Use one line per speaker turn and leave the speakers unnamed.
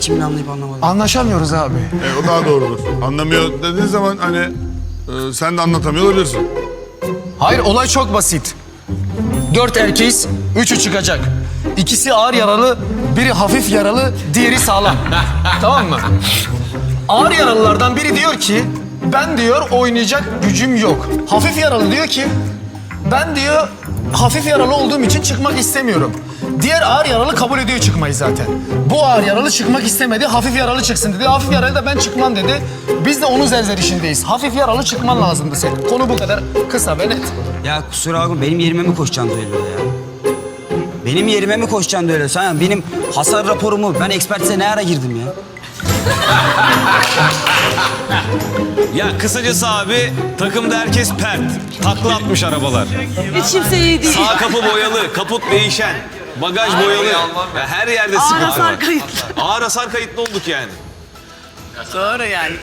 Şimdi anlayıp anlamadım.
Anlaşamıyoruz abi.
O daha doğrudur. Anlamıyor dediğin zaman hani sen de anlatamıyor olabilirsin.
Hayır, olay çok basit. 4 erkeğiz, 3'ü çıkacak. İkisi ağır yaralı, biri hafif yaralı, diğeri sağlam. Tamam mı? Ağır yaralılardan biri diyor ki, ben diyor oynayacak gücüm yok. Hafif yaralı diyor ki, ben diyor hafif yaralı olduğum için çıkmak istemiyorum. Diğer ağır yaralı kabul ediyor çıkmayı zaten. Bu ağır yaralı çıkmak istemedi, hafif yaralı çıksın dedi. Hafif yaralı da ben çıkmam dedi. Biz de onun zerzenişindeyiz. Hafif yaralı çıkman lazımdı senin. Konu bu kadar kısa ve net.
Ya kusura bakma benim yerime mi koşacaksın öyle ya? Benim yerime mi koşacaksın öyle? Sen benim hasar raporumu, ben ekspertize ne ara girdim ya?
Ya kısacası abi takımda herkes pert. Takla atmış arabalar.
Hiç kimse iyi değil.
Sağ kapı boyalı, kaput değişen, bagaj boyalı. Ya her yerde
Ağır
sıkıntı
hasar
var.
kayıtlı.
Ağır hasar kayıtlı olduk yani.
Doğru yani.